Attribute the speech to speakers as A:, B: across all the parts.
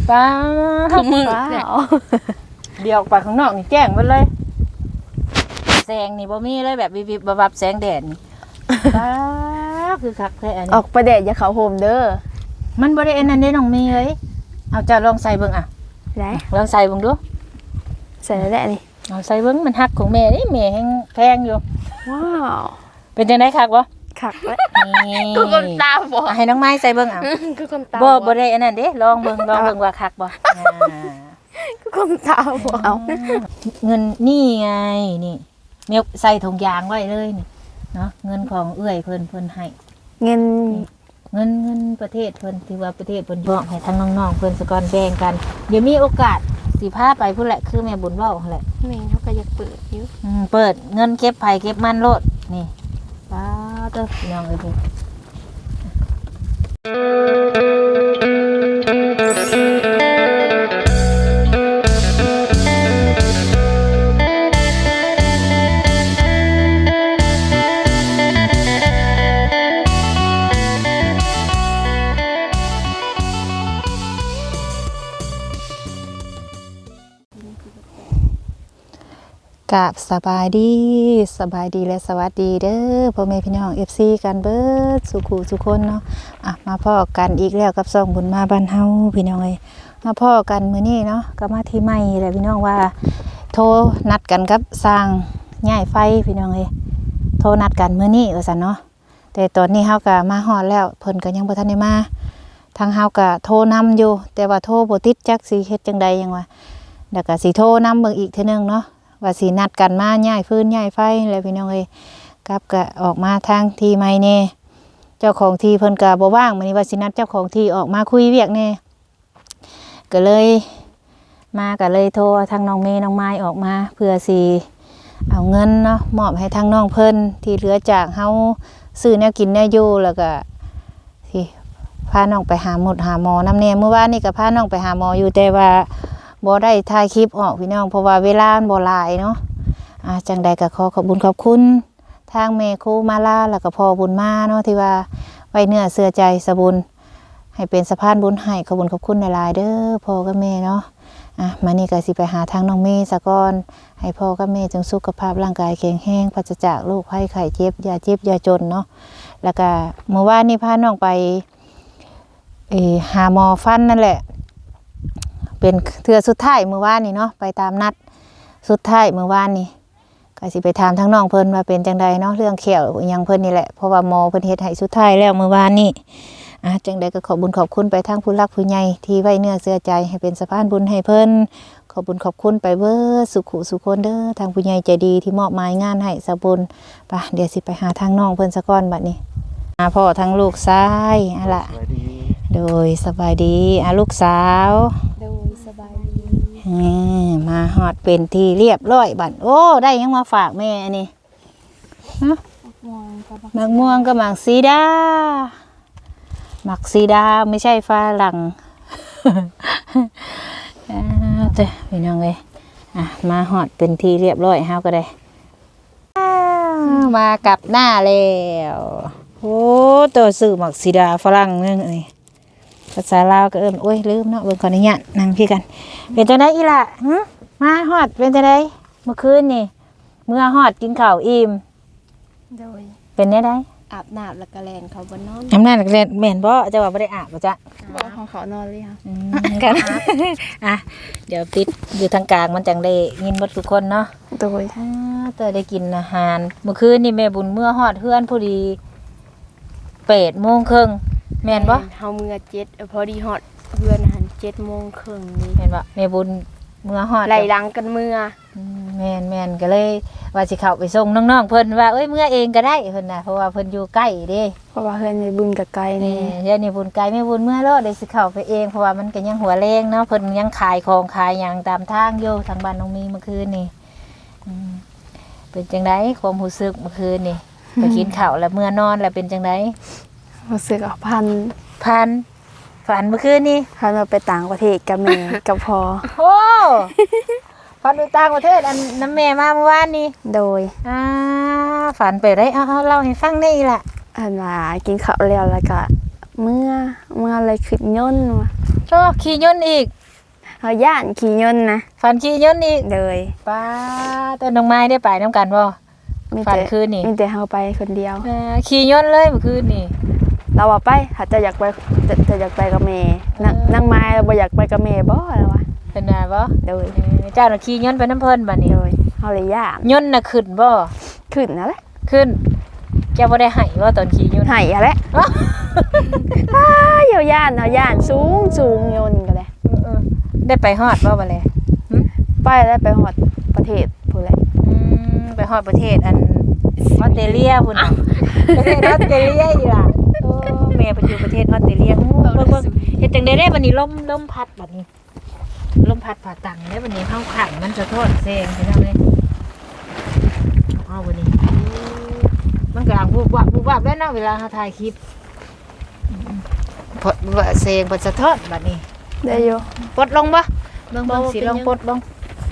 A: ป้า
B: คือมือ
A: เดี๋ยวออกไปข้างนอกนี่แจ้งไปเลยแสงนี่บ่มีเลยแบบวิบวับแสงแดดนี่ป้าคือคักแท้อัน
C: อ
A: นี้
C: อกไปแดดอย่าเขาโฮมเด้อ
A: มันบ่ได้อันนั้นเด้น้องมีเอ้ยเอาจะลองใส่เบิ่งอ่ะ
C: ได้
A: ลองใส่เบิ่งดู
C: ใส่แล้วแหละนี่
A: เอาใส่เบิ่งมันฮักของแม่นี่แม่แฮงแพงอยู่
C: ว้าว
A: เป็นจังได๋คักบ่
C: คักแล้ว
A: นี่
B: คือคนตาบอด
A: ให้น้องไม้ใส่เบิ่งอ่ะ
C: คือคนตา
A: บ่ได้อันนั้นเด้ลองเบิ่งว่าคักบ่
C: คือคนตาบอดเอา
A: เงินนี่ไงนี่แม่ใส่ถุงยางไว้เลยนี่เนาะเงินของเอื้อยเพิ่นให้
C: เงิน
A: เงินประเทศเพิ่นที่ว่าประเทศเพิ่นบอกให้ทั้งน้องๆเพิ่นสกอนแบ่งกันเดี๋ยวมีโอกาสสิพาไปพุ่นแหละคือแม่บุญเว้าหั่นแหละ
C: แม่เขาก็อยากเปิดอยู่
A: เปิดเงินเก็บไผเก็บมันโลดนี่ป้าเด้อพี่น้องเอ้ยพุ่นกับสบายดีและสวัสดีเด้อพ่อแม่พี่น้อง FC กันเบิดสุขุสุคนเนาะมาพ้อกันอีกแล้วกับซ่องบุญมาบ้านเฮาพี่น้องเอ้ยมาพ้อกันมื้อนี้เนาะก็มาที่ใหม่แหละพี่น้องว่าโทรนัดกันกับสร้างย้ายไฟพี่น้องเอ้ยโทรนัดกันมื้อนี้ว่าซั่นเนาะแต่ตอนนี้เฮาก็มาฮอดแล้วเพิ่นก็ยังบ่ทันได้มาทางเฮาก็โทรนำอยู่แต่ว่าโทรบ่ติดจักสิเฮ็ดจังใดหยังว่าแล้วก็สิโทรนำเบิ่งอีกเทื่อนึงเนาะว่าสินัดกันมาย้ายฟืนย้ายไฟแล้วพี่น้องเอ้ยกับก็ออกมาทางที่ใหม่แน่เจ้าของที่เพิ่นก็บ่ว่างมื้อนี้ว่าสินัดเจ้าของที่ออกมาคุยเวียกแน่ก็เลยโทรทางน้องเมย์น้องไม้ออกมาเพื่อสิเอาเงินเนาะมอบให้ทางน้องเพิ่นที่เหลือจากเฮาซื้อแนวกินแนวอยู่แล้วก็สิพาน้องไปหาหมอนำแน่เมื่อวานนี้ก็พาน้องไปหาหมออยู่แต่ว่าบ่ได้ถ่ายคลิปออกพี่น้องเพราะว่าเวลามันบ่หลายเนาะจังใดก็ขอบคุณขอบคุณทางแม่ครูมาลาแล้วก็พ่อบุญมาเนาะที่ว่าไว้เนื้อเชื่อใจสะบุญให้เป็นสะพานบุญให้ขอบคุณหลายๆเด้อพ่อกับแม่เนาะมานี่ก็สิไปหาทางน้องเมย์ซะก่อนให้พ่อกับแม่จงสุขภาพร่างกายแข็งแรงปราศจากโรคภัยไข้เจ็บอย่าเจ็บอย่าจนเนาะแล้วก็เมื่อวานนี้พาน้องไปหาหมอฟันนั่นแหละเป็นเทื่อสุดท้ายเมื่อวานนี่เนาะไปตามนัดสุดท้ายเมื่อวานนี่ก็สิไปถามทั้งน้องเพิ่นว่าเป็นจังใดเนาะเรื่องเขียวยังเพิ่นนี่แหละเพราะว่าหมอเพิ่นเฮ็ดให้สุดท้ายแล้วเมื่อวานนี่จังใดก็ขอบคุณไปทางผู้รักผู้ใหญ่ที่ไว้เนื้อเชื่อใจให้เป็นสะพานบุญให้เพิ่นขอบคุณไปเบิดสุขุสุคนเด้อทางผู้ใหญ่ใจดีที่มอบหมายงานให้สะบุญไปเดี๋ยวสิไปหาทางน้องเพิ่นซะก่อนบัดนี้พ่อทั้งลูกชายล่ะโดยสบายดีลูกสาว
C: โดยสบายดี
A: มาฮอดเป็นที่เรียบร้อยบัดโอ้ได้ยังมาฝากแม่อันนี้มักม่วงกับมักซีดาไม่ใช่ฝรั่งเจ้าพี่น้องเลยมาฮอดเป็นที่เรียบร้อยเฮาก็ได้มากับหน้าแล้วโอ้ตัวสื่อมักซีดาฝรั่งนึงนี่ภาษาลาวก็โอ้ยลืมเนาะเบิ่งขออนุญาตนั่งพี่กันเป็นจังได๋อีล่ะมาฮอดเป็นจังได๋เมื่อคืนนี่เมื่อฮอดกินข้าวอิ่ม
C: โดย
A: เป็นได้
C: อาบน้ำแล้วก็แลนเขาบนนอน
A: อำนาจแลนแม่นบ่จะว่าบ่ได้อาบบ่จ๊ะ
C: บ่ของเขานอนเลยค่ะ
A: กันเดี๋ยวปิดอยู่ทางกลางมันจังได้ยินหมดทุกคนเนาะ
C: โดย
A: แต่ได้กินอาหารเมื่อคืนนี่แม่บุญเมื่อฮอดเฮือนพอดี8:30 นแม่นบ่
C: เฮาเมื่อ7พอดีฮอดเฮือนหัน7:30 นนี่
A: แม่นบ่แม่บุญเมื่อฮอด
C: ไหลหลังกันเมื่อ
A: แม่นก็เลยว่าสิเข้าไปส่งน้องๆเพิ่นว่าเอ้ยเมื่อเองก็ได้เพิ่นน่ะเพราะว่าเพิ่นอยู่ใกล้เด้
C: เพราะว่าเฮือนในบุญกับไกลนี่
A: เดี๋ยวนี้บุญไกลแม่บุญเมื่อรอได้สิเข้าไปเองเพราะว่ามันก็ยังหัวแรงเนาะเพิ่นยังขายของขายหยังตามทางอยู่ทางบ้านน้องมีเมื่อคืนนี่เป็นจังได๋ความรู้สึกเมื่อคืนนี่ไปกินข้าวแล้วเมื่อนอนแล้วเป็นจังได๋
C: รู้สึกพัน
A: ฝันเมื่อคืนนี่
C: พันเราไปต่างประเทศกับแม่กับพ่อ
A: โอ้ฝันไปต่างประเทศอันน้ำแม่มาเมื่อวานนี้
C: โดย
A: ฝันไปได้เอาเล่าให้ฟังได้ล่ะ
C: อันว่ากินข้าวแล้วก็เมื่ออะไรขึ้นย่นว่ะ
A: ก็ขี่ยนต์อีก
C: เฮาย่านขี่ยนต์นะ
A: ฝันขี่ยนต์อีก
C: เลย
A: ป้าแต่น้องไม้ได้ไปน้ำกันบ่
C: มี
A: ฝัน
C: แต่
A: คืนนี่
C: มีแต่เฮาไปคนเดียว
A: ขี่ยนต์เลยเมื่อคืนนี่
C: เราว่าไปถ้าจะอยากไปจะอยากไปกับแม่นางไม้บ่อยากไปกับแม่บ่แล้ววะ
A: เป็นไงบ่
C: เลย
A: เจ้าน่ะขี่ยนต์ไปน้ำเพิ่นบัดนี้
C: เลยเฮาเลยย่าน
A: ยนต์น่ะขึ้นบ่
C: ขึ้นนั่นแหละ
A: ขึ้นเจ้าบ่ได้ให้บ่ตอนขี่ยนต์
C: ให้อะแหละ
A: อ๋อ
C: เฮาย่านเฮาย่านสูงยนต์ก็ได้
A: ได้ไปฮอดบ่บัดนี้
C: ไปแล้วไปฮอดประเทศพู้นแหละ
A: ไปฮอดประเทศอันออสเตรเลียพุ่นน่ะประเทศออสเตรเลียอีหล่ะโอ้แม่ไปอยู่ประเทศออสเตรเลียเบิ่งเฮ็ดจังได๋บัดนี้ลมพัดบัดนี้ลมพัดผ่าตังได้บัดนี้เฮาขังมันจะโทษแซงพี่น้องเอ้ยเอาบัดนี้มันก็วูบวับแล้วเนาะเวลาเฮาถ่ายคลิปพอแซงบ่สะท้อนบัดนี้
C: ได้อยู่
A: ปลดลงบ่เบิ่ง
C: บ่
A: สิ
C: เป็นห
A: ล
C: ยัง
A: องปลดลง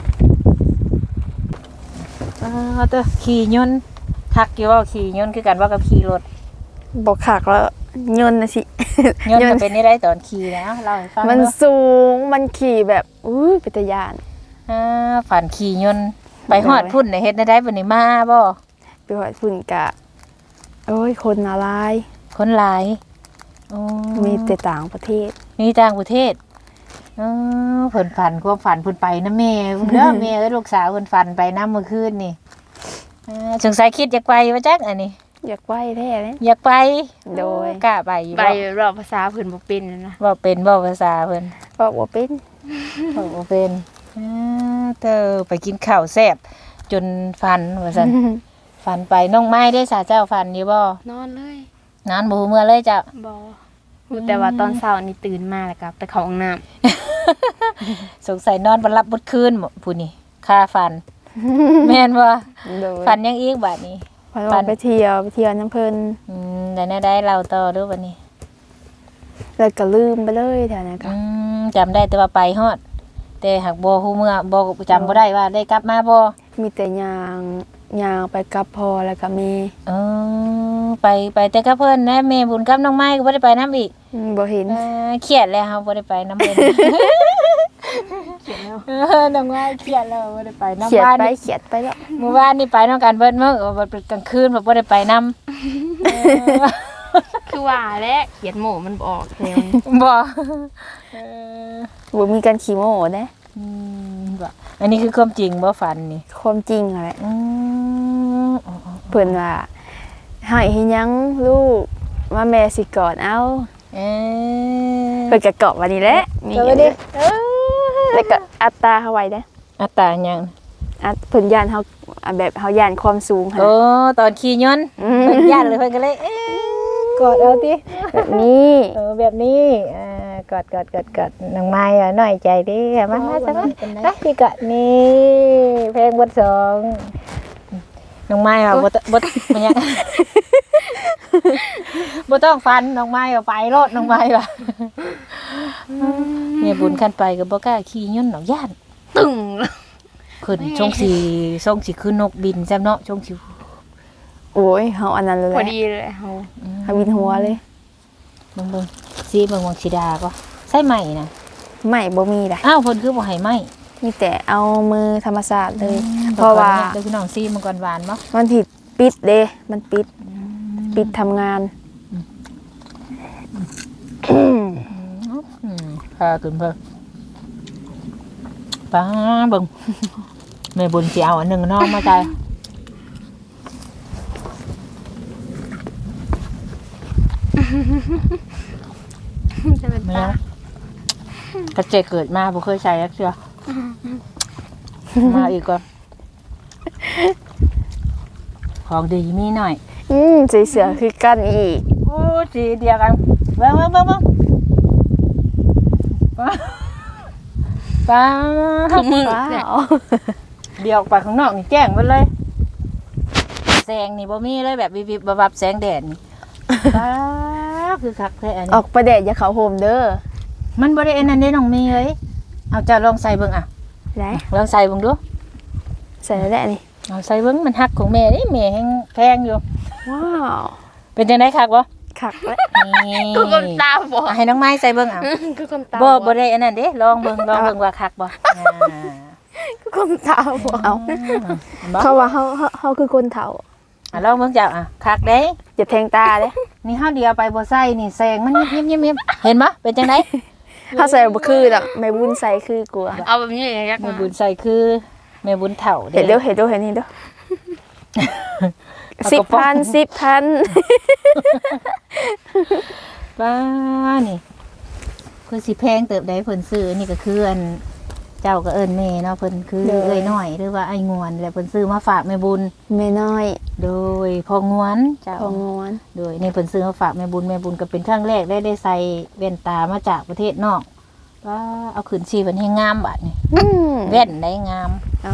A: เตอขี่ยนต์คักอยู่ว่าขี่ยนต์คือกันว่ากับขี่รถ
C: บ่คักแล้วยนต์น่ะสิ
A: ยนต์มันเป็นได้ตอนขี่นะเล่าให้ฟัง
C: มัน
A: เนาะ
C: สูงมันขี่แบบเป็นตาย่าน
A: ฝันขี่ยนต์ไปฮอดพุ่นน่ะเฮ็ดได้บัดนี้มาบ่
C: ไปฮอดฝุ่นกะโอ้ยคนอะไร
A: คนหลายโอ้
C: มีแต่ต่างประเทศ
A: มีต่างประเทศเพิ่นฝันความฝันเพิ่นไปนะแม่เด้อแม่เอ้ยลูกสาวเพิ่นฝันไปนำเมื่อคืนนี่สงสัยคิดอยากไปว่าจักอันนี้
C: อยากไหว้แท้เลย
A: อยากไป
C: โดย
A: กล้าไปอยู่
C: ไป
A: บ่
C: รอบภาษาเพิ่นบ่เป็นนะ
A: บ่เป็นบ่ภาษาเพิ่น
C: บอกว่าเป็น
A: บอกบ่เป็นเธอไปกินข้าวแซ่บจนฟันว่าซั่น ฟันไปน้องไม้ได้สาเจ้าฟันอยู่บ่
C: นอนเลย
A: นอนบ่ฮู้เมื่อเลยจ้ะ
C: บ่แต่ว่าตอนเช้านี่ตื่นมาแล้วก็ไปเข้าห้องน้ำ
A: สงสัยนอนบ่หลับบ่คืนผู้นี่ค่าฟัน แม่นบ่
C: โดย
A: ฟันยังอีกบัดนี้
C: ไปไปเที่ยวน้ำเพิ่น
A: ได้ได้เราต่อเด้อบัดนี้
C: แล้วก็ลืมไปเลยแถวนั้นก็
A: จำได้แต่ว่าไปฮอดแต่หากบ่ฮู้เมื่อบ่จำบ่ได้ว่าได้กลับมาบ่
C: มีแต่ยางไปกับพ่อแล้วก็แม่
A: ไปแต่กับเพิ่นนะแม่บุญกับน้องไม้ก็บ่ได้ไปนํอีก
C: บ่เห็น
A: เครียดแล้วครับบ่ได้ไปน้ำเพิ่น
C: เขียนแล้ว
A: น้องว่าเครียดแล้วบ่ได้ไปน้ำ
C: เขียด
A: บ้าน
C: ไป
A: นี่
C: เขียดไปแล้ว
A: เมื่อวานนี่ไปน้องกันเบิดมื้อบ่เป็นกลางคืนบ่ได้ไปนำ
B: คือว่าแล้วเขียนหมูมันบ่ออกแล้ว
A: บ่
C: บ่มีการขี้โม้เด้
A: บ่อันนี้คือความจริงบ่ฝันนี่
C: ความจริงอะแหละ
A: อ๋อ
C: เพิ่นว่าให้เฮ็ดหยังลูกว่าแม่สิกอดเอา
A: เอ
C: เพิ่นก็กอดวันนี้แหละมี
A: ก็บ่ได้
C: แล้วก็อัตราเฮาไว้เด้
A: อัตตาหยัง
C: เพิ่นย่านเฮาแบบเฮาย่านความสูงหั่น
A: โอ้ตอนขี่ยนต์เพิ่นย่านเลยเพิ่นก็เลยกอดเอาติ
C: แบบนี้
A: แบบนี้กอดน้องไม้หน่อยใจดิมาซะมาไปพี่กอดนี่เพลงบทสองน้องไม้ว่าบ่มันยังบ่ต้องฟันน้องไม้ว่าไปรถน้องไม้ว่าแม่บุญคันไปก็บ่กล้าขี่ยนต์ดอกย่าน
B: ตึง
A: ขึ้นช่องสิขึ้นนกบินซ้ำเนาะช่องสิ
C: โอ้ยเฮาอันนั้นเลยแห
B: พอ
C: ละ
B: ดีเลยเฮา
C: เฮาวินหัวเลย
A: เบิ่งสิเบิ่งวังสิดาก็ใส่ใหม่นะ
C: ไม่บ่มีล่ะ
A: อ้าวเพิ่นคือบ่ให้ไหม
C: มีแต่เอามือธรรมชาติเลย เพราะว่า
A: เดี๋ยวพี่น้องซีมันก่อนหวานบ่
C: มันผิดปิดเด้มันปิดทำงาน
A: พาขึ้นเพิ่นป้าเบิ่งแม่บุญสิเอาอันหนึงน้องมาใจ
B: จะเป็น
A: แม่
B: ตาก
A: ระเจเกิดมาบ่เคยใส่จักเทื่อมาอีกก่อนของดีมีหน่อย
C: สีเสือคือกันอีก
A: โอ้สีเดียวกันเบิ่งป้า
B: คือมือ
C: ว้า
B: เนี่ยว
A: เดียวออกไปข้างนอกนี่แจ้งหมดเลยแสงนี่บ่มีเลยแบบวิบๆบับๆแสงแดดนี่ป้าคือคักแท้อัน
C: อ
A: นี้
C: อกไปแดดอย่าเขาโฮมเด้อ
A: มันบ่ได้อันนั้นเด้น้องมีเอ้ยเอาเจ้าลองใส่เบิ่งอ่ะ
C: ไหน
A: ลองใส่เบิ่งดู
C: ใส่แล้วแหละนี่
A: เอาใส่เบิ่งมันฮักของแม่นี่แม่แฮงแพงอยู่
C: ว้าว
A: เป็นจังได๋คักบ่
C: คักแล้ว
A: นี่
B: กูคนตาบอด
A: ให้น้องไม้ใส่เบิ่งเอา
B: กูคนตา
A: บ่ได้อันนั้นเด้ลองเบิ่งว่าคักบ่อ่า
B: กูคนตาบอด
C: เอา
A: บ่
C: เขาว่าเฮาคือคนเฒ่า
A: ลองเบิ่งเจ้าคักเด้
C: อย่าแทงตาเด้
A: นี่เฮาเดียวไปบ่ใส่นี่แสงมันยิบๆๆเห็นบ่เป็นจังได๋
C: เฮาใส่บ่คือดอกแม่บุญใส่คือกลัว
B: เอาแบบนี้เลยยัก
A: แม่บุญใส่คือแม่บุญเฒ่า
C: เห็นเด้อเห็นนี่เด้อ 10,000
A: บ้านี่คือสิแพงเติบใดเพิ่นซื้อนี่ก็คืออันเจ้าก็เอิ้นแม่เนาะเพิ่นคือเอ้ยน้อยหรือว่าไอ้งวนแล้วเพิ่นซื้อมาฝากแม่บุญ
C: แม่น้อย
A: โดยพองวนเจ้า
C: ของงวน
A: โดยนี่เพิ่นซื้อมาฝากแม่บุญก็เป็นครั้งแรกได้ใส่แว่นตามาจากประเทศนอกว่าเอาขึ้นชีเพิ่นให้งามบัดนี่ แว่นได้งาม
C: เอา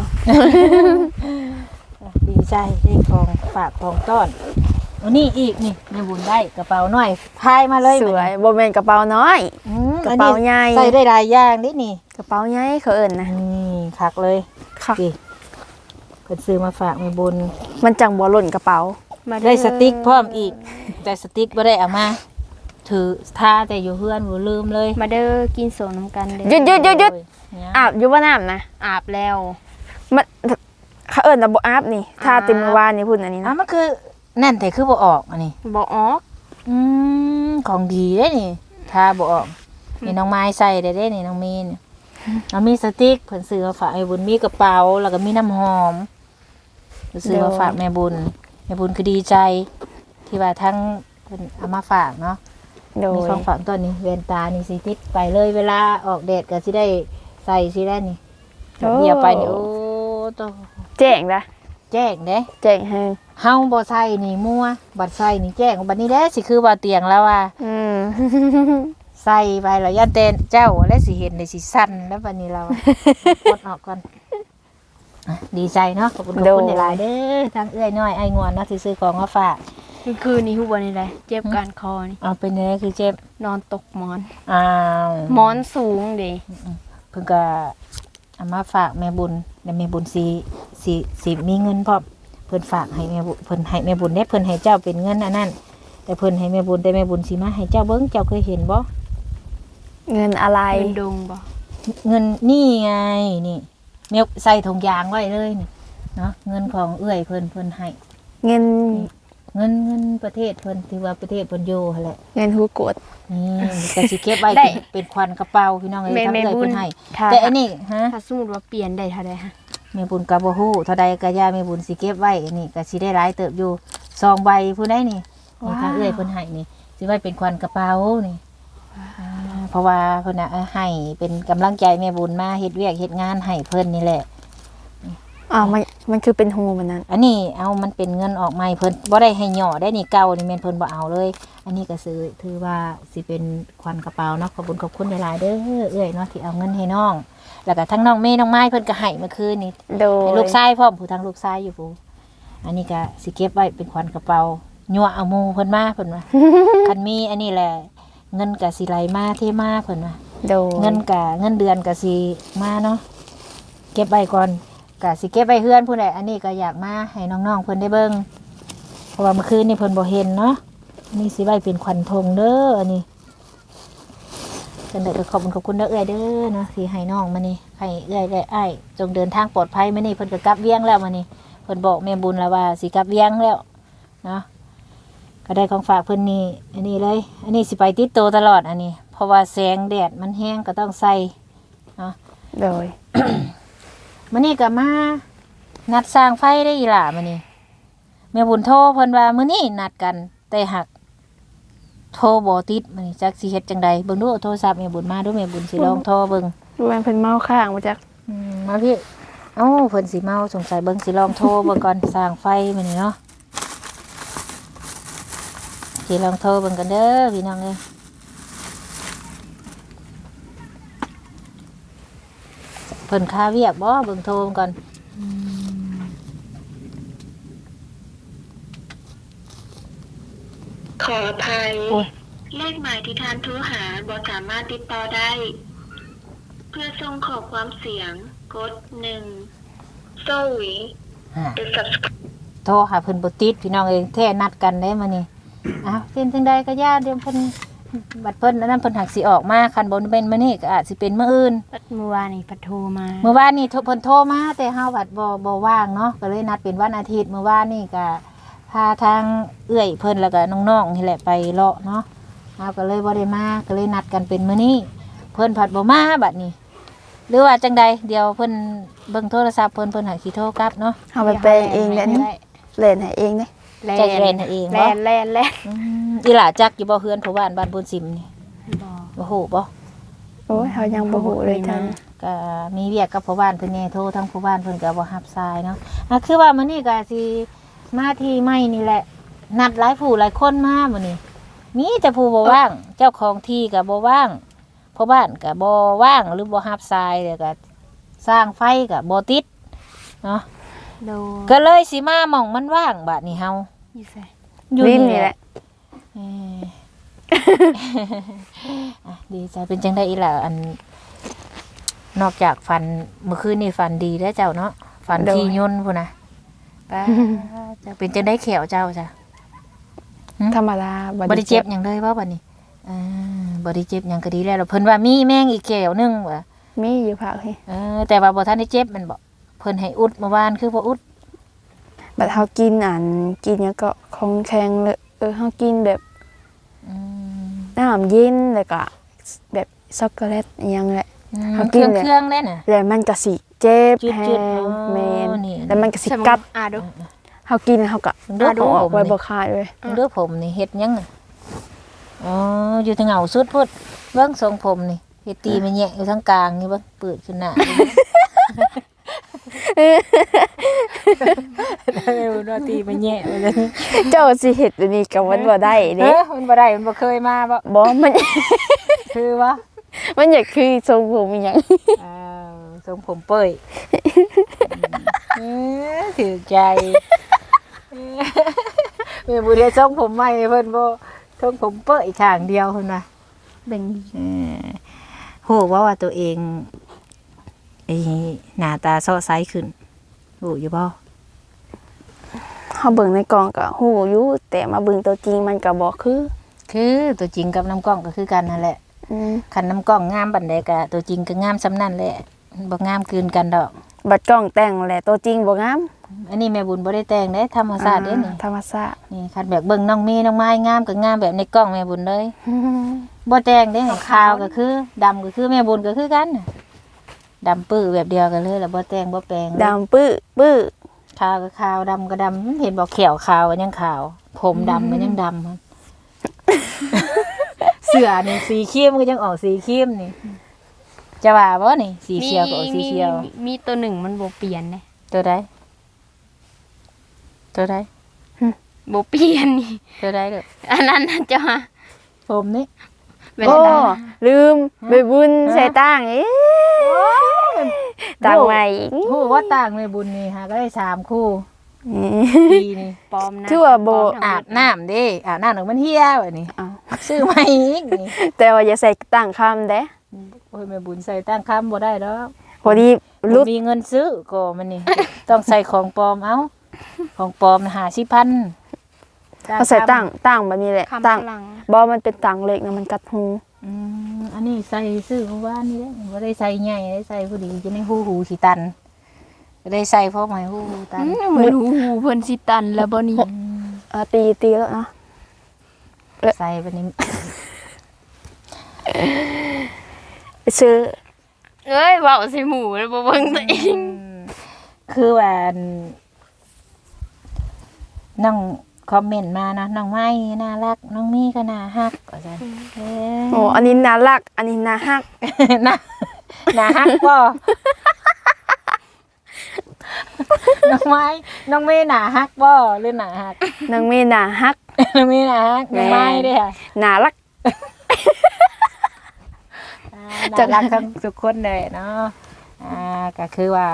A: ดีใจได้ของฝากของต้อนอันนี้อีกนี่แม่บุญได้กระเป๋าน้อยพายมาเลย
C: สวยบ่แม่นกระเป๋าน้อย กระเป๋าใหญ่
A: ใส่ได้หลายอย่างนี่นี่
C: กระเป๋าใหญ่เขาเอิ้นนะ
A: นี่คักเลย
C: คัก
A: สิเพิ่นซื้อมาฝากแม่บุญ
C: มันจังบ่หล่นกระเป๋า
A: ได้สติ๊กพร้อมอีก แต่สติ๊กบ่ได้เอามาถือท่าแต่อยู่เฮือนบ่ลืมเลย
B: มาเด้อกินโซน้ำกันเด้
C: หยุด
A: เนี่ย
C: อาบอยู่บ่น้ำนะ
B: อาบแล้ว
C: มันเขาเอิ้นว่าบ่อาบนี่ถ้าติมอวานนี่พุ่นอันนี้
A: อ้า
C: นะ
A: วมันคือนั่นแต่คือบ่ออกอันนี้
B: บอกออก
A: ของดีเด้นี่ถ้าบ่ออกนี่น้องไม้ใส่ได้เด้นี่น้องมีนเอามีสติ๊กเพิ่นซื้อมาฝากแม่บุญมีกระเป๋าแล้วก็มีน้ำหอมเพิ่นซื้อมาฝากแม่บุญคือดีใจ ที่ว่าทั้งเพิ่นเอามาฝากเนาะ
C: โด
A: มี
C: ย
A: ของฝากตัวนี้เวนตานี่สิติดไปเลยเวลาออกแดดก็สิได้ใส่สิได้นี่เดียวไปนี่โอ้โต
C: แจ้งนะ
A: แจ้งเด้
C: แจ้งให้
A: เฮาบ่ใส่นี่มั่วบัดใส่นี่แจ้งบัดนี้แหละสิคือว่าเตียงแล้วว่า ใส่ไปแล้วยันเตนเจ้าและสิเห็นได้สิสั่นแล้วบัดนี้เรากดออกก่อนอ่ะดีใจเนาะขอบคุณหลายๆเด้อทั้งเอื้อยน้อยไอ้งอนเนาะที่ซื้อของมาฝาก
B: คืนนี้ฮู้บ่นี่ได้เจ็บการคอนี่
A: เอาเป็นยังไงคือเจ็บ
B: นอนตกหมอน
A: อ้าว
B: หมอนสูงเด้
A: เพิ่นก็เอามาฝากแม่บุญแล้วแม่บุญสิมีเงินพร้อมเพิ่นฝากให้แม่บุญเพิ่นให้แม่บุญได้เพิ่นให้เจ้าเป็นเงินอันนั้นแต่เพิ่นให้แม่บุญแต่แม่บุญสิมาให้เจ้าเบิ่งเจ้าเคยเห็นบ่
C: เงินอะไร
B: เป็นดงบ่
A: เงินนี่ไงนี่แม่ใส่ถุงยางไว้เลยนี่เนาะเงินของเอื้อยเพิ่นให้
C: เงิน
A: เงินประเทศเพิ่นที่ว่าประเทศเพิ่นอยู่หั่นแหละ
C: เงินหูกด
A: นี่ก็สิเก็บไว้เป็นควันกระเป๋าพี่น้องเอ้ยทำเอื้อยเพิ่นให้
C: ค่ะ
A: แต่อันนี้ฮะ
B: ถ้าสมมุติว่าเปลี่ยนได้เท่าใดฮะ
A: แม่บุญกับบ่ฮู้เท่าใดก็ย่าแม่บุญสิเก็บไว้นี่ก็สิได้หลายเติบอยู่2ใบผู้ใดนี่นี่ทางเอื้อยเพิ่นให้นี่สิไว้เป็นควันกระเป๋านี่เพราะว่าเพิ่นน่ะให้เป็นกำลังใจแม่บุญมาเฮ็ดเวียกเฮ็ดงานให้เพิ่นนี่แหละ
C: อ้าวมันคือเป็นหูมันนั้น
A: อันนี้เอามันเป็นเงินออกใหม่เพิ่นบ่ได้ให้ย่อได้นี่เก่านี่แม่นเพิ่นบ่เอาเลย อันนี้ก็ซื้อถือว่าสิเป็นควันกระเป๋าเนาะขอบคุณขอบคุณหลายๆเด้อเอื้อยเนาะที่เอาเงินให้น้องแล้วก็ทั้งน้องเมย์น้องไม้เพิ่นก็ให้เมื่อคืนนี่
C: โดย
A: ให้ลูกชายพร้อมผู้ทางลูกชายอยู่ผู้อันนี้ก็สิเก็บไว้เป็นขวัญกระเป๋ายั่วเอาหมู่เพิ่นมาเพิ่นว่า คันมีอันนี้แหละเงินก็สิไหลมาเทมาเพิ่นว่า
C: โดย
A: เงินเดือนก็สิมาเนาะเก็บไว้ก่อนก็สิเก็บไว้เฮือนผู้ใดอันนี้ก็อยากมาให้น้องๆเพิ่นได้เบิ่งเพราะว่าเมื่อคืนนี่เพิ่นบ่เห็นเนาะอันนี่สิไว้เป็นขวัญธงเด้ออันนี้จังได๋ก็ขอบคุณเด้อเอื้อยเด้อเนาะที่ให้น้องมานี่ให้เอื้อยได้อ้ายจงเดินทางปลอดภัยมานี่เพิ่นก็กลับเวียงแล้วมานี่เพิ่นบอกแม่บุญแล้วว่าสิกลับเวียงแล้วเนาะก็ได้ของฝากเพิ่นนี่อันนี้เลย อันนี้สิไปติดโตตลอดอันนี้ เพราะว่าแสงแดดมันแห้งก็ต้องใส่เนาะ
C: โดย
A: มื้อนี้ก็มานัดสร้างไฟได้อีหล่ามื้อนี้แม่บุญโทรเพิ่นว่ามื้อนี้นัดกันแต่หักโทรบ่ติดมื้อนี้จักสิเฮ็ดจังใดเบิ่งดูเอาโทรศัพท์แม่บุญมาดูแม่บุญสิลองโทรเบิ่ง
C: ดูมันเป็นเมาข้างมาจาก
A: มาพี่เอ้าเพิ่นสิเมาสงสัยเบิ่งสิลองโทรเบิ่งก่อนสร้างไฟมื้อนี้เนาะสิลองโทรเบิ่งกันเด้อพี่น้องเอ้ยเพิ่นค่าเวียกบ่เบิ่งโทรก่อน
D: ขออภัย
A: โอ้ย
D: เลขหมายที่ท่านโทรหาบ่สามารถติดต่อได้ เพื่อส่งขอความเสียงกด1 Sorry
A: ฮะ
D: The subscriber
A: โทรหาเพิ่นบ่ติดพี่น้องเอ้ยแท้นัดกันได้มื้อนี้เป็นจังใดก็ย่าเดี๋ยวเพิ่นบัดเพิ่นอันนั้นเพิ่นหักสิออกมาคันบ่เป็นมื้อนี้ก็อาจสิเป็นมื้ออื่น
B: เมื่อวานนี่พัดโทรมา
A: เมื่อวานนี่เพิ่นโทรมาแต่เฮาบัดบ่ว่างเนาะก็เลยนัดเป็นวันอาทิตย์เมื่อวานนี่ก็พาทางเอื้อยเพิ่นแล้วก็น้องๆนี่แหละไปเลาะเนาะเฮาก็เลยบ่ได้มาก็เลยนัดกันเป็นมื้อนี้เพิ่นผัดบ่มาบัดนี้หรือว่าจังใดเดี๋ยวเพิ่นเบิ่งโทรศัพท์เพิ่นหักสิโทรกลับเนาะ
C: เอาไปแปลงเองแหละนี่เล่นให้เองเด้
A: ใจเย็นให้เอง
B: แล
A: บ่
B: นแลนแลน
A: อีหล่าจักอยู่บ่เฮือนผู้บ้านบ้านบุญสิมนี่
B: บ่
A: บ่ฮู้บ่
C: โอ้ยเฮายังบ่ฮู้เลยท่าน
A: ก็มีเวียกกับผู้บ้านเพิ่นแน่โทรทั้งผู้บ้านเพิ่นก็บ่รับสายเนาะคือว่ามื้อนี้ก็สิมาที่ใหม่นี่แหละนัดหลายผู้หลายคนมามื้อนี้มีแต่ผู้บ่ว่างเจ้าของที่ก็บ่ว่างผู้บ้านก็บ่ว่างหรือบ่รับสายแล้วก็สร้างไฟก็บ่ติดเนาะ
B: โด
A: ก็เลยสิมาหม่องมันว่างบัดนี้เฮา
B: อยู่ไส
A: อยู่
C: ลิ้น
A: นี่
C: นี่
A: แห
C: แห
A: ละ
C: ละ
A: ดีใจเป็นจังได้อีหล่ะอันนอกจากฟันเมื่อคืนนี่ฟันดีแล้วเจ้าเนาะฟันที่ย่นพุ่นนะป้าจะเป็นจังได้แขวเจ้าจ้ะ
C: ธรรมดา
A: บ่ได้เจ็บหยังเลยว่าบัดนี้บ่ได้เจ็บหยังก็ดีแล้วเพิ่นว่ามีแมงอีกแขวนึงว่ะ
C: มีอยู่ภาคนี่
A: แต่ว่าบ่ทันได้เจ็บมันบ่เพิ่นให้อุดเมื่อวานคือบ่อุด
C: บัดเฮากินอันกินหยังก็ของแข็งเลยเฮากินแบบ
A: อืม
C: น้ำเย็นแล้วก็แบบช็อกโกแลตอหยังแหละ เขากินเลย
A: เครื่องได้น่ะ
C: แล้วมันก็สิเจ็บ
A: จุด
C: แฮ
A: ๆ
C: ง
A: อ๋อ
C: แม่น
A: นี่
C: แล้วมันก็สิ
B: สมมุ
C: กัด
B: ติดู
C: เฮากินเฮาก็
A: ดูผม
C: ออกไว้
A: นี่
C: บ่ขาดเลย
A: เด้อผมนี่เฮ็ดหยังน่ะอ๋ออยู่ทางเหงาสุดพุ่นเบิ่งทรงผมนี่เฮ็ดตีมันแยะอยู่ทางกลางนี่เบิ่งเปิดขึ้นหน้าได้บ่ตีมันแยะไปเลย
C: เจ้าสิเฮ็ดอันนี้ก็มันบ่ได้เด้
A: มันบ่ได้มันบ่เคยมาบ่
C: บ่มัน
A: คือบ่
C: มันอยากคือทรงผมอีหยัง
A: อ้าวทรงผมเป้ยถือใจแม่บ่ได้ทรงผมใหม่เพิ่นบ่ทรงผมเป้ยข้างเดียวเพิ่นว่า
B: เบ่ง
A: โหว่าตัวเองไอ้หน้าตาซอใสขึ้นโหอยู่บ่
C: เฮาเบิ่งในกล่องก็ฮู้อยู่แต่มาเบิ่งตัวจริงมันก็บ่
A: คือตัวจริงกับน้ำกล้องก็คือกันนั่นแหละ
C: อืม
A: คันน้ำกล้องงามปานใดก็ตัวจริงก็งามซ้ำนั่นแหละบ่งามเกินกันดอก
C: บัดกล้องแต่งแหละตัวจริงบ่งาม
A: อันนี้แม่บุญบ่ได้แต่งเด้ธรรมชาติเด้นี่
C: ธรรมชาติ
A: นี่คันแบบเบิ่งน้องมีน้องไม้งามก็งามแบบในกล้องแม่บุญเลยบ่แต่งเด้ขาวก็คือดำก็คือแม่บุญก็คือกันน่ะดำปื้อแบบเดียวกันเลยแล้วบ่แต่งบ่แปลงเลย
C: ดำปื้อปื้อ
A: ขาวก็ขาวดำก็ดำเห็นบอกแขวขาวก็ยังขาว ผมดำก็ยังดำครับ เสื้อนี่สีครีมก็ยังออกสีครีมนี่จะว่าบ่นี่สีเขียวก็ออกสีเขียว
B: มีตัวหนึ่งมันบ่เปลี่ยนเด้
A: ตัวใดตัวใด
B: บ่เปลี่ยนนี่
A: ตัวใดเด้อ
B: อันนั้นน่ะจ้ะ
A: ผมนี่
B: เป็น
C: โอ้
B: อะไร
C: ลืมไปบุญใส่ต่างต่างใหม่
A: ฮู้ว่าต่างในบุญนี่ฮะก็ได้3คู่ปีนี่
B: ปลอมนะ
C: ชื่อว่าโบ
B: ปลมทั้งหม
A: อา
B: ด
A: บน้ำเด้อาบน้ำหนึ่งมันเหี่ยแบบนี้
C: อ้าว
A: ซื้อใหม่อีกนี่
C: แต่ว่าอย่าใส่ต่างคำเด้
A: โอ้ยแม่บุญใส่ตั้งคำบ่ได้ดอก
C: พอดี
A: บ่
C: รุด
A: มีเงินซื้อก็มันนี่ ต้องใส่ของปลอมเอาของปลอมน่ะ50,000
C: เขาใส่ต่างแบบนี้แหละ
B: คำ
C: ต่าง
B: พลัง
C: บอมันเป็นต่างเล็กนะมันกัดหู
A: อันนี้ใส่ซื้อเมื่อวานนี่แหละบ่ได้ใส่ใหญ่ได้ใส่พอดีจะในหูสิตันก็ได้ใส่เพราะหมายหูตัน
B: เหมือนหูเพิ่นสิตันแล้วบ่นี่
C: ตีแล้วนะ
A: ใส่ไปนี่
C: ไปซื้อ
B: เอ้ยเว้าใส่หมูแล้วบ่เบิ่งตัวเอง
A: คือว่าน้องคอมเมนต์มานะน้องไม้น่ารักน้องมีก็น่าฮักก็ซั่น
C: โอ้อันนี้น่ารักอันนี้น่าฮัก
A: น่าน่าฮักบ่น้องไม้น้องเมย์น่าฮักบ่หรือน่าฮัก
C: นางเมน่าฮัก
A: น้องเมย์น่าฮักน้องไม้เด้อค่ะ
C: น่ารัก
A: น่ารักทั้งทุกคนเลยเนาะก็คือว่า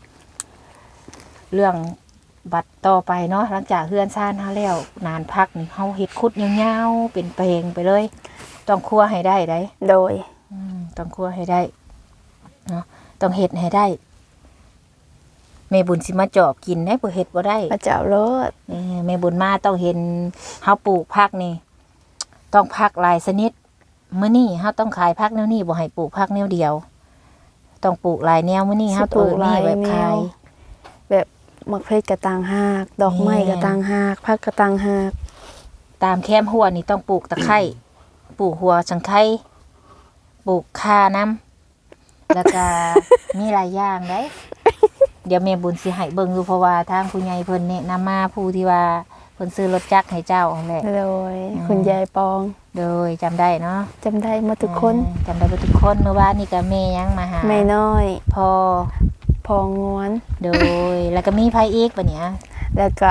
A: เรื่องบัตรต่อไปเนาะหลังจากเฮือนซ่านเฮาแล้วนานพักนี่เฮาเฮ็ดคุดยาวๆเป็นเพลงไปเลย ต้องครัวให้ได้ได้
C: โดย
A: ต้องครัวให้ได้เนาะต้องเฮ็ดให้ได้แม่บุญสิมาจอบกินได้บ่เฮ็ดบ่ได้
C: มาเจ้ารถ
A: แม่บุญมาต้องเห็นเฮาปลูกผักนี่ต้องผักหลายชนิดมื้อนี้เฮาต้องขายผักแนวนี้บ่ให้ปลูกผักแนวเดียวต้องปลูกหลายแนวมื้อนี้เฮาต้องมีแบบขาย
C: แบบมักเพชรกระต่างหากดอกไม้กระต่างหากผักกระต่างหาก
A: ตามแคมหัวนี่ต้องปลูกตะไคร้ปลูกหัวสังไคร้ปลูกข่าน้ำแล้วก็ มีหลายอย่างเด้เดี๋ยวแม่บุญสิให้เบิ่งดูเพราะว่าทางผู้ใหญ่เพิ่นแนะนำมาผู้ที่ว่าเพิ่นซื้อรถจักรให้เจ้านั่นแหละ
C: โดยคุณยายปอง
A: โดยจำได้เนาะ
C: จำได้หมาทุกคน
A: จำได้ว่าทุกคนเมื่อวานนี่ก็แม่ยังมาหา
C: แม่น้อย
A: พอ
C: พองวน
A: โดยแล้วก็มีไผอีกบัดเนี้ย
C: แล้วก็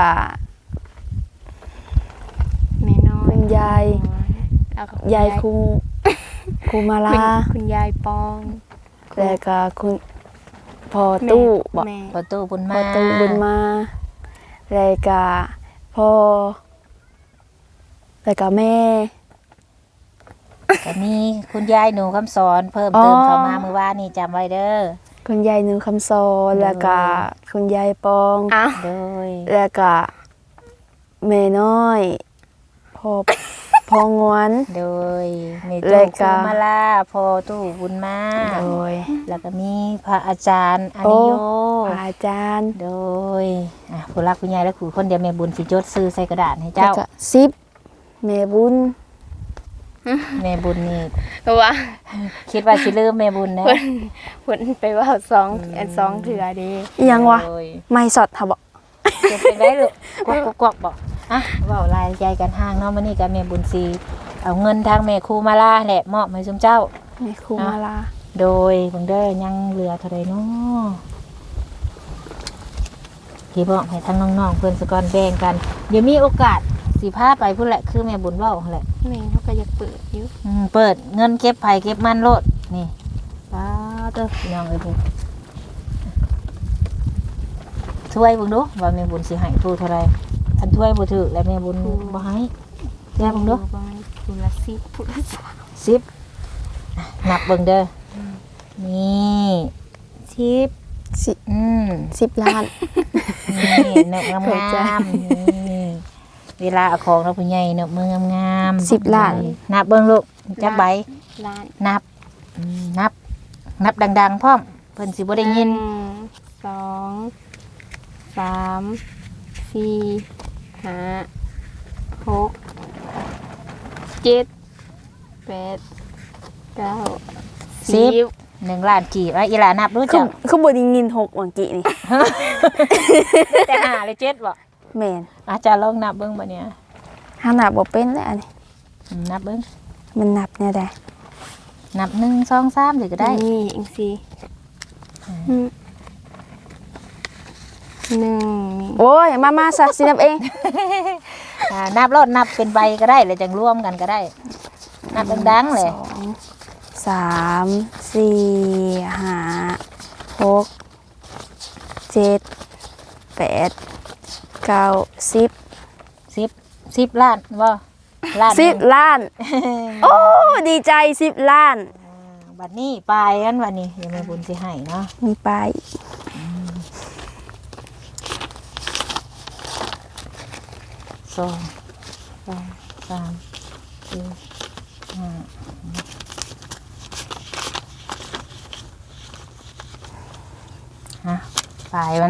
B: แม่น้อย
C: คุณยาย
B: แล้วก็
C: ยายครูครูมาลา
B: คุณยายปอง
C: แล้วก็คุณพ่อตู้บอก
B: แม่
A: พอตู้บุญ
C: พ่
A: มา
C: อตู้บุญมาแล้วก็พ่อแล้วก็แม่
A: ก็มีคุณยายหนูคำสอนเพิ่มเติมเข้ามาเมื่อวานนี่จำไว้เด้อ
C: คุณยายหนูคำสอนแล้วก็คุณยายปอง
B: อ้าว
A: โดย
C: แล้วก็แม่น้อยพ่อ พ่องวน
A: โดยแม่
C: แล้
A: ตู้
C: วก็
A: คุมาลาพอตู้บุญมา
C: โดย
A: แล้วก็มีพระอาจารย์อานิโย
C: พระอาจารย์
A: โดยผู้รักผู้ใหญ่และผู้คนเดียวแม่บุญสิจดซื้อใส่กระดาษให้
C: แล้ว
A: เจ้า
C: ก็ซิปแม่บุญ
A: แม่บุญนี่
B: ว่า
A: คิดว่าสิลืมแม่บุญนะ
B: เพิ่นไปเว่าสองเถื่อเด้
C: อิหยังวะ
A: โดย
C: ไม่สดค่ะบอก
A: จะเป็นได้ลูกกวักบอกอ่ะเว้ารายใจกันห่างเนาะมื้อนี้ก็แม่บุญสิเอาเงินทางแม่ครูมาลาแหละมอบให้ซุมเจ้า
C: แม่ครูมาลา
A: โดยเบิ่งเด้อยังเหลือเท่าใดเนาะที่บอกให้ทั้งน้องๆเพิ่นสกอนแบ่งกันเดี๋ยวมีโอกาสสิพาไปพุ่นแหละคือแม่บุญเว้าหั่นแหละ
B: แม่เขาก็อยากเปิดอยู่
A: เปิดเงินเก็บไผเก็บมันโลดนี่ป้าเด้อพี่น้องเอ้ยพุ่นถ้วยเบิ่งดูว่าแม่บุญสิให้ผู้เท่าใดอันถ้วยบ่ถูกแล้วแม่บุญบ่ให้แย่เบิ่งดู
B: ประมาณผู้ละ10ผู้ละ3
A: 10นับเบิ่งเด้อนี่10
C: สิ 10 ล้าน
A: นี่เนื้องามๆนี่เวลาเอาของเราผู้ใหญ่เนื้อมืองามๆ
C: 10 ล้าน
A: นับเบิ่งลูกจักใบ
B: ล้าน
A: นับดังๆพร้อมเพิ่นสิบ่ได้ยิน
B: 1 2 3 4 5 6 7 8 9 10
A: 1 ล้านกี่ว่าอีหลานับรู้
C: คื
A: จั
C: อก คือบ่ได้ยิน6วังกี้นี่
A: แต่5หรือ7บ่
C: แม่น
A: อาจารย์ลองนับเบิ่งบัดเนี้ย
C: หานับบ่เป็นแล้วอันนี้
A: นับเบิ่ง
C: มันนับแนวใด
A: นับ1 2 3เลยก็ได้
B: นี่เองสิหนึ่ง
C: โอ้ยมาซะสินับเอง
A: นับรถนับเป็นใบก็ได้แล้วจังรวมกันก็ได้ นับดังๆเลย
C: 2 3 4 5 6 7 8 9
A: 10ล้านบ่ล้าน
C: 10 ล้าน โอ้ดีใจ10 ล้าน
A: บัดนี้ปลายกันวันนี้เดี๋ยวแม่บุญสิให้เนาะ
C: มีไป
A: 2 3 4 5ปลายมัน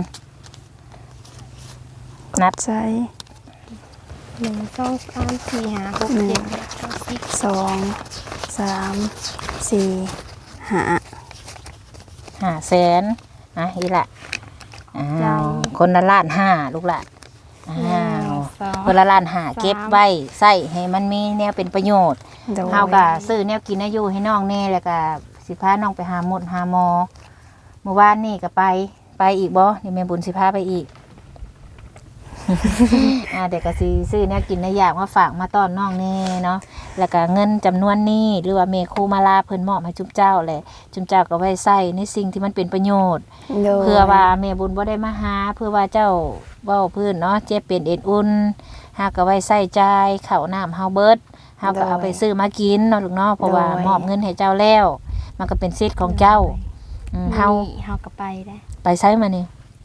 A: นับ
C: ใจ
B: 1 2 3 4 5 6 7 8 9 10
C: 2 3 4
A: 500,000อีละอ้าวคนละล้านห้าลูกหละอ้าวคนละล้านห้าเก็บไว้ใส่ให้มันมีแนวเป็นประโยชน์
C: โดย
A: เฮาก็ซื้อแนวกินอายุให้น้องแน่แล้วก็สิพาน้องไปหาหมดหาหมอเมื่อวานนี่ก็ไปอีกบ่เดี๋ยวแม่บุญสิพาไปอีก เดี๋ยวก็สิซื้อแนวกินในอย่างมาฝากมาต้อนน้องแน่เนาะแล้วก็เงินจำนวนนี้หรือว่าเมครูมาลาเพิ่นมอบให้จุ๊บเจ้าแหละจุ๊บเจ้าก็ไว้ใส่ในสิ่งที่มันเป็นประโยชน์
C: โดย
A: เพื่อว่าแม่บุญบ่ได้มาหาเพื่อว่าเจ้าเว้าพื้นเนาะเจ็บเป็นเอ็นอุ่นหาก็ไว้ใส่ใจายข้าวน้ำเฮาเบิดเฮาก็เอาไปซื้อมากินเนาะลูกเนาะเพราะว่ามอบเงินให้เจ้าแล้วมันก็เป็นสิทธิ์ของเจ้าเฮา
B: เฮาก็ไปได้
A: ไปใช้มานี่
B: ส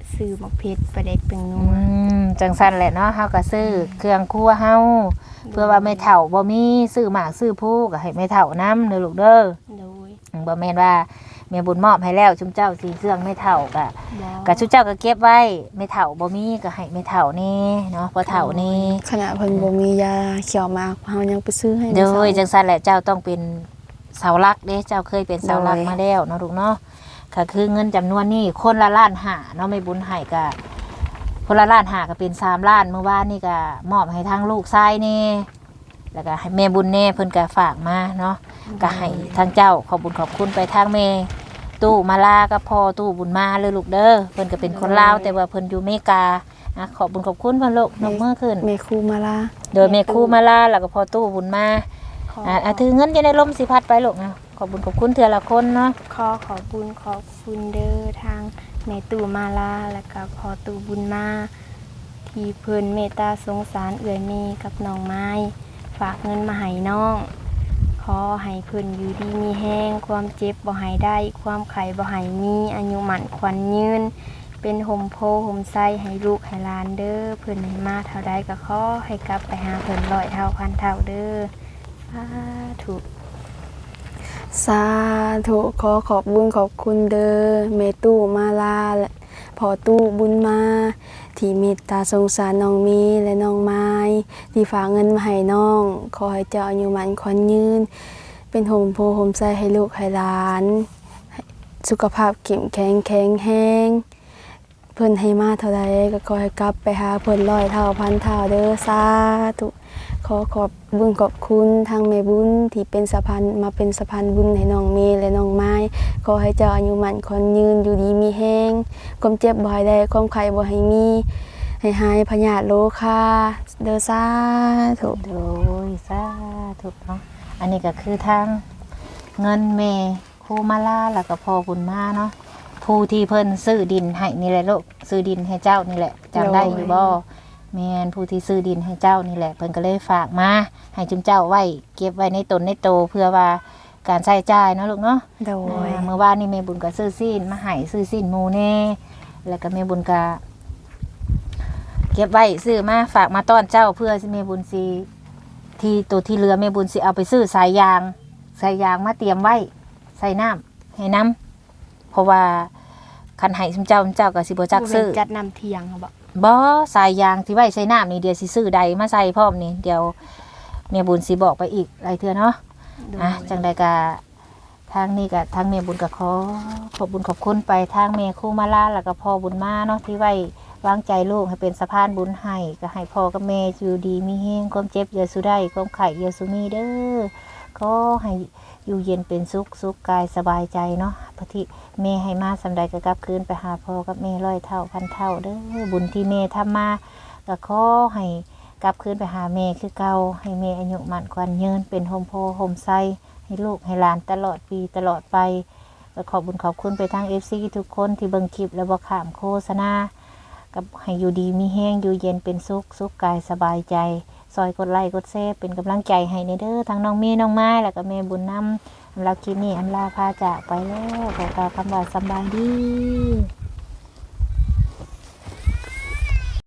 B: ซื้อหมกเพชรปลาเด็กเป็นนั
A: อื
B: ว
A: จังซั่นแหละเนาะเฮาก็ซื้อเครื่องครัวเฮาเพื่อว่าแม่เฒ่าบ่มีซื้อหมากซื้อผู้ก็ให้แม่เฒ่านำเด้อลูกเด้อ
B: โดย
A: บ่แม่นว่าแม่บุญมอบให้แล้วชุมเจ้าสิเครื่องแม่เฒ่าก็
B: บ่
A: ก็ชุมเจ้าก็เก็บไว้แม่เฒ่าบ่มีก็ให้แม่เฒ่านี่เนาะพ่อเฒ่านี่
C: ขณะเพิ่นบ่มียาเขียวหมากเฮายังไปซื้อให้
A: โด
C: มื้อย
A: จั
C: เช้าง
A: ซั่นแหละเจ้าต้องเป็นเสาหลักเด้เจ้าเคยเป็นเสาหลัก
C: โดย
A: มาแล้วเนาะลูกเนาะก็คือเงินจำนวนนี้คนละล้านห้าเนาะแม่บุญให้ก็คนละล้านห้าก็เป็น3ล้านเมื่อวานนี่ก็มอบให้ทางลูกชายนี่แล้วก็ให้แม่บุญแน่เพิ่นก็ฝากมาเนาะก็ให้ทางเจ้าขอบบุญขอบคุณไปทางแม่ตู้มาลากับพ่อตู้บุญมาเลยลูกเด้อเพิ่นก็เป็นคนลาวแต่ว่าเพิ่นอยู่อเมริกานะขอบบุญขอบคุณเพิ่นลูกนกมือขึ้น
C: แม่ครูมาลา
A: โดยแม่ครูมาลาแล้วก็พ่อตู้บุญมา
B: ขอ
A: ถือเงินจะได้ลมสิพัดไปลูกนะขอบบุญขอบคุณเถื่อละคนเนาะ
B: ขอบบุญขอบคุณเด้อทางแม่ตู่มาลาแล้วก็พ่อตู่บุญมาที่เพิ่นเมตตาสงสารเอื้อยเมกับน้องไม้ฝากเงินมาให้น้องขอให้เพิ่นอยู่ดีมีแห้งความเจ็บบ่ให้ได้ความไข้บ่ให้มีอายุหมันขวัญยืนเป็นห่มโพห่มไส้ให้ลูกให้หลานเด้อเพิ่นให้มาเท่าใดก็ขอให้กลับไปหาเพิ่น100 เท่าพันเท่าเด้อสาธุ
C: สาธุขอขอบบุญขอบคุณเด้อแม่ตู้มาลาและพ่อตู้บุญมาที่เมตตาสงสารน้องมีและน้องไม้ที่ฝากเงินมาให้น้องขอให้เจ้าอายุมันขวัญยืนเป็นห่มโพห่มใสให้ลูกให้หลานให้สุขภาพเข้มแข็งแข็งแรงเพิ่นให้มาเท่าใดก็ขอให้กลับไปหาเพิ่น100 เท่าพันเท่าเด้อสาธุ ขอขอบบุญขอบคุณทางแม่บุญที่เป็นสะพานมาเป็นสะพานบุญให้น้องเมย์และน้องไม้ขอให้เจ้าอายุมั่นขวัญยืนอยู่ดีมีแห้งความเจ็บบ่ให้ได้ความไข้บ่ให้มีให้หายพยาธิโรคาเด้อสาธุ
A: โดยสาธุเนาะอันนี้ก็คือทางเงินเมครูมาลาแล้วก็พ่อบุญมาเนาะผู้ที่เพิ่นซื้อดินให้นี่แหละลูกซื้อดินให้เจ้านี่แหละจำได้อยู่บ่แม่นผู้ที่ซื้อดินให้เจ้านี่แหละเพิ่นก็เลยฝากมาให้จุมเจ้าไว้เก็บไว้ในตนในโตเพื่อว่าการใช้จ่ายเนาะลูกเนาะ
C: โดย
A: เมื่อวานนี่แม่บุญก็ซื้อซีนมาให้ซื้อซีนหมูแน่แล้วก็แม่บุญก็เก็บไว้ซื้อมาฝากมาต้อนเจ้าเพื่อสิแม่บุญสิที่ตัวที่เหลือแม่บุญสิเอาไปซื้อสายยางมาเตรียมไว้ใส่น้ำให้น้ำเพราะว่าคันให้ซุมเจ้าก็สิบ่จักซื้อ
B: จัดนำเทียงเขาบอก
A: บ่สายยางที่ไว้ใส่น้ำนี่เดี๋ยวสิซื้อใดมาใส่พร้อมนี่เดี๋ยวแม่บุญสิบอกไปอีกหลายเทื่อเนาะ จังใดก็ทางนี้ก็ทางแม่บุญก็ขอบบุญขอบคุณไปทางแม่ครูมาลาแล้วก็พ่อบุญมาเนาะที่ไว้วางใจลูกให้เป็นสะพานบุญให้ก็ให้พ่อกับแม่อยู่ดีมีแห้งความเจ็บอย่าสู้ได้ความไข้อย่าสู้มีเด้อก็ให้อยู่เย็นเป็นสุขกายสบายใจเนาะพระที่แม่ให้มาสำใดก็กลับคืนไปหาพ่อกับแม่100 เท่าพันเท่าเด้อบุญที่แม่ทำมาก็ขอให้กลับคืนไปหาแม่คือเก่าให้แม่อายุมั่นขวัญยืนเป็นโฮมโพโฮมไซให้ลูกให้หลานตลอดปีตลอดไปก็ขอบบุญขอบคุณไปทาง FC ทุกคนที่เบิ่งคลิปและบ่ข้ามโฆษณากับให้อยู่ดีมีแห้งอยู่เย็นเป็นสุขกายสบายใจซอยกดไลค์กดแชร์เป็นกำลังใจให้ในเด้อทั้งน้องเมย์น้องไม้แล้วก็แม่บุญนำสำหรับคลิปนี้อำลาพาจากไปแล้วขอกล่าวคำว่าสำบายดี